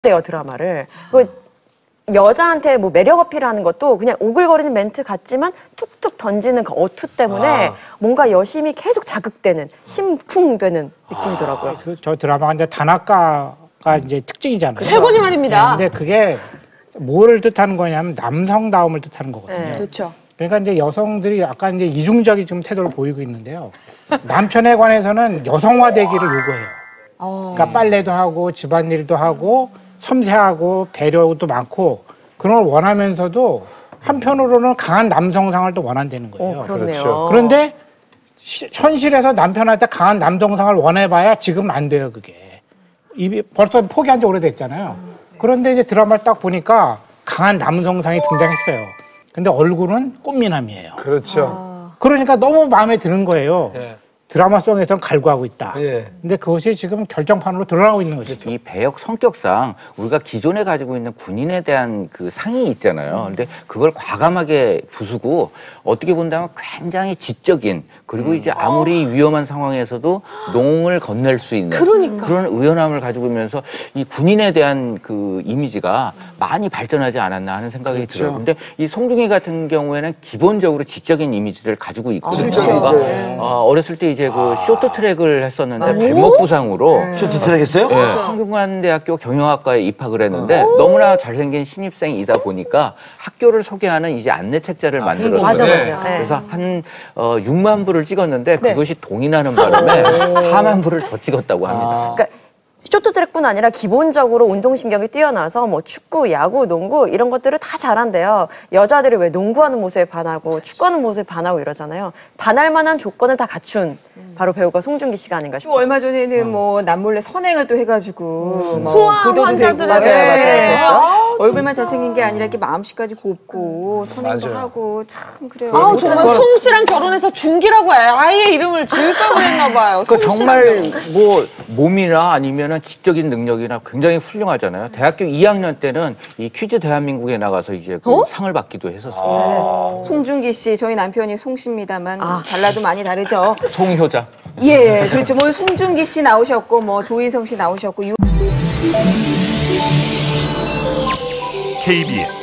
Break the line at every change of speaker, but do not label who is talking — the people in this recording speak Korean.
돼요, 드라마를. 여자한테 뭐 매력 어필하는 것도 그냥 오글거리는 멘트 같지만 툭툭 던지는 그 어투 때문에 뭔가 여심이 계속 자극되는, 심쿵되는 느낌이더라고요.
저 드라마가 이제 단아까가 이제 특징이잖아요.
최고지 말입니다.
네, 근데 그게 뭐를 뜻하는 거냐면 남성다움을 뜻하는 거거든요.
네.
그렇죠.
그러니까 이제 여성들이 약간 이제 이중적인 지금 태도를 보이고 있는데요. 남편에 관해서는 여성화되기를 요구해요. 그러니까 빨래도 하고 집안일도 하고 섬세하고 배려도 많고 그런 걸 원하면서도 한편으로는 강한 남성상을 또 원한다는 거예요.
그렇네요.
그런데 현실에서 남편한테 강한 남성상을 원해봐야 지금은 안 돼요, 그게. 벌써 포기한 지 오래됐잖아요. 그런데 이제 드라마를 딱 보니까 강한 남성상이 등장했어요. 근데 얼굴은 꽃미남이에요.
그렇죠.
그러니까 너무 마음에 드는 거예요.
예.
드라마 속에서는 갈구하고 있다.
예.
근데 그것이 지금 결정판으로 드러나고 있는 것이죠.
이 배역 성격상 우리가 기존에 가지고 있는 군인에 대한 그 상이 있잖아요. 근데 그걸 과감하게 부수고 어떻게 본다면 굉장히 지적인 그리고 이제 아무리 위험한 상황에서도 농을 건넬 수 있는 그런 의연함을 가지고 있면서 이 군인에 대한 그 이미지가 많이 발전하지 않았나 하는 생각이 들어요. 근데 이 송중기 같은 경우에는 기본적으로 지적인 이미지를 가지고 있거든요. 어렸을 때 이제 그 쇼트트랙을 했었는데 발목 부상으로
쇼트트랙 했어요?
네, 성균관대학교 경영학과에 입학을 했는데 너무나 잘생긴 신입생이다 보니까 학교를 소개하는 이제 안내 책자를 만들었어요.
맞아.
그래서 한 6만 부를 찍었는데 그것이 동의나는 바람에 4만 부를 더 찍었다고 합니다.
그러니까 쇼트트랙뿐 아니라 기본적으로 운동신경이 뛰어나서 뭐 축구, 야구, 농구 이런 것들을 다 잘한대요. 여자들이 왜 농구하는 모습에 반하고 축구하는 모습에 반하고 이러잖아요. 반할 만한 조건을 다 갖춘 바로 배우가 송중기 씨가 아닌가 싶어요.
얼마 전에는 뭐 남몰래 선행을 또 해가지고 뭐
소아암
보도도 되고
환자들의 맞아요.
얼굴만 잘생긴 게 아니라 이렇게 마음씨까지 곱고 선행도
맞아요.
하고 참 그래요.
정말 송 씨랑 결혼해서 중기라고 아예 이름을 지을까 그랬나 봐요.
그러니까 정말 뭐 몸이나 아니면은 지적인 능력이나 굉장히 훌륭하잖아요. 대학교 2학년 때는 이 퀴즈 대한민국에 나가서 이제 그 상을 받기도 했었어요.
송중기 씨, 저희 남편이 송 씨입니다만 달라도 많이 다르죠.
송효자.
예, 그렇죠. 뭐 송중기 씨 나오셨고 뭐 조인성 씨 나오셨고.
KBS